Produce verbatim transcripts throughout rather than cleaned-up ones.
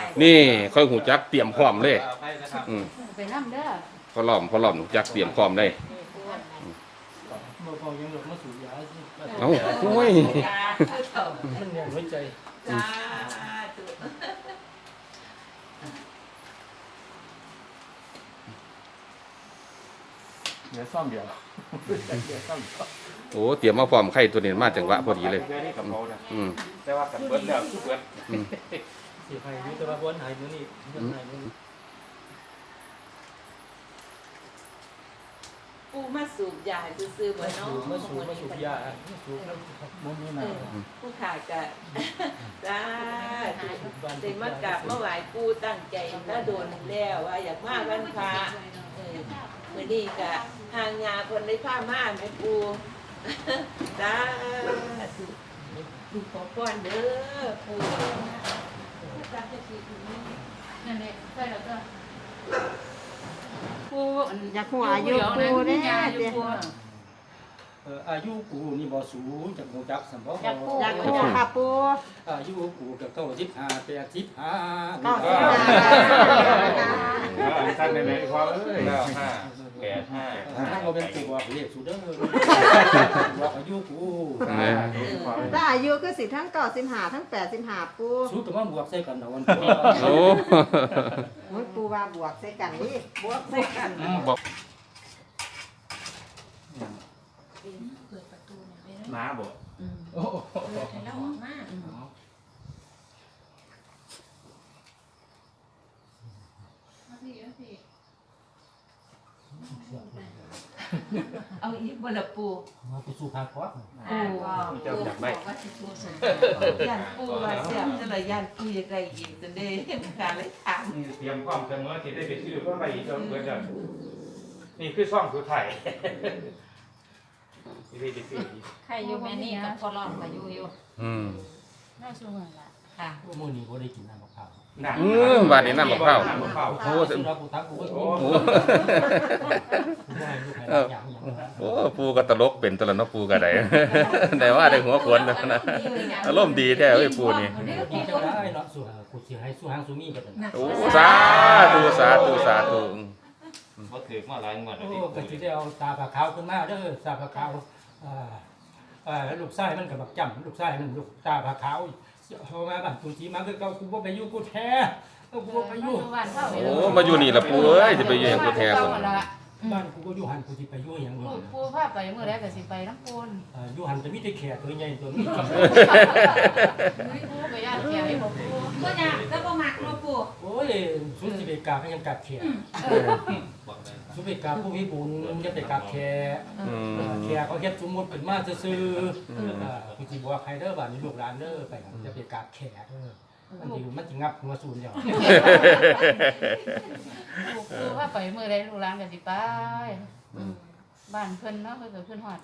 นี่ค่อยหูจักเตรียมพร้อมเลยอืมไปน้ำเด้อพอล้อมพอล้อมหูจักเตรียมพร้อมเลยบ่พอยังหลบมาสู่ยาสิเอ้าโอ้ยมันยังไว้ใจจ้าเดี๋ยวซ่อมเดี๋ยวเดี๋ยวซ่อมโอ้เตรียมมาพร้อมไข่ตัวนี้มาจังหวะพอดีเลยแค่นี้กับเขานะอืมแต่ว่ากันเบิดแล้วทุกเบิดอืมสิให้อยู่แต่ว่าบ่หายมื้อนี้บ่หายมื้อนี้ปูมาสูบยาซื้อๆบ่มาเนาะสู่มาสู่มาสู่ยามาสู่แล้วบ่มีเอน้อผู้ขายก็จ้าเด็กมากราบมาไหว้ปูตั้งใจถ้าโดนแล้วว่าอยากมาวันพระเออมื้อนี้ก็ทางยาคนได้ผ้าม่านให้ปูจ้าดูขอพรเด้อปูนั่นแหละใช่แล้วก็ปูอยากหัวอายุปูเด้ยาอเด้ยู่ปูเอ่ออายุกูนี่บ่สูงจากฮู้จักสัมบ่อยากหัวค่ะปูอายุกูก็เก้าสิบห้าแปดสิบห้าเก้าสิบแล้วอันสั้นในในความเอ้ยแล้วห้าแปดห้าถ้าเราเป็นตัวเลขสุดเด้อว่าอายุกูถ้าอายุก็สิทั้งเก้าสิบห้าทั้งแปดสิบห้าปูสูงก็มาบวกใส่กันเอาวันโอ้โอ้ยปูว่าบวกใส่กันนี่บวกใส่กันบอกเปิดประตูเนี่ยไปหมาบ่อืมโอ้เปิดให้เราออกมามาสิมาสิเอาอีกบ่ละปูมาไปสู่ภาคก่อนปูว่าเจ้าอยากได้ว่าสิปูสนย่านปูว่าเสียบจะละย่านปูอยากได้อีกจนได้การเลยถามนี่เตรียมความเสมอที่ได้ไปซื้อเพราะไปอีกเจ้าเบิดแล้วนี่คือซ่องสุดท้ายที่ได้ไปซื้ออีกใครอยู่แม่นี่กับพอร้อนก็อยู่อยู่อืมน่าสูงละค่ะมื้อนี้บ่ได้กินน้ำมะพร้าวน่ะอืมบาดนี้น้ำมะพร้าวน้ำมะพร้าวโอ้สุรากูทักกูก็โอ้โหได้ลูกให้อย่างอย่างโอ้ปูก็ตลกเป็นตลกเนาะปูก็ได้ แต่ว่าได้หัวขวนนะนะอารมณ์ดีแท้เว้ยปูนี่กินจังได้เนาะสู่หากูสิให้สู่หางสู่มีกันโอ้สาธุสาธุสาธุบ่ถือมาหลายงวดแล้วโอ้ที่ก็สิได้เอาตาผาขาวขึ้นมาเด้อตาผาขาวอ่าอ่าลูกชายมันก็บักจำลูกชายมันลูกตาผาขาวพอมาบ้านตุนทีมาคือเก่ากูบ่ไปอยู่กูแท้กูบ่ไปอยู่บ้านเท่าโอ้มาอยู่นี่ละปูเอ้ยจะไปอยู่หยังกูแท้คคนนละบ้านกูก็อยู่หันกูสิไปอยู่หยังปูบ่ปูพาไปเมื่อไรก็สิไปน้ำปูนอ่าอยู่หันจะมีแต่แขกตัวใหญ่ตัวนี้ปูไปย่านแก่ให้บ่ปูก็อยากแล้วบ่มักเนาะปูโอ้ยสุดสิไปกราบให้ยังกราบแขกสุดไปกราบผู้มีบุญจะไปกราบแขกอืมแขกเขาเฮ็ดสมมุติเป็นมาซื่อๆอ่ากูสิบอกใครเด้อบ้านนี้ลูกหลานเด้อไปจะไปกราบแขกเด้อมันสิมันสิงับหัวศูนย์เดียวปูพาไปเมื่อไรลูกหลานก็สิไปบ้านเพิ่นเนาะเพิ่นก็เพิ่นฮอด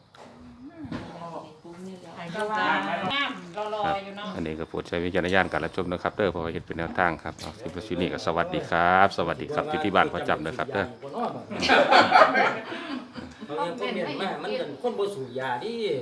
ปูนี่แหละก็ว่างามรอๆอยู่เนาะอันนี้ก็โปรดใช้วิจารณญาณการรับชมนะครับเด้อเพราะว่าเฮ็ดเป็นแนวทางครับเอาสิบชีนี้ก็สวัสดีครับ สวัสดีครับอยู่ที่บ้านประจำนะครับเด้อมันยังคนเรียนมามันเป็นคนบ่สูบยาดิ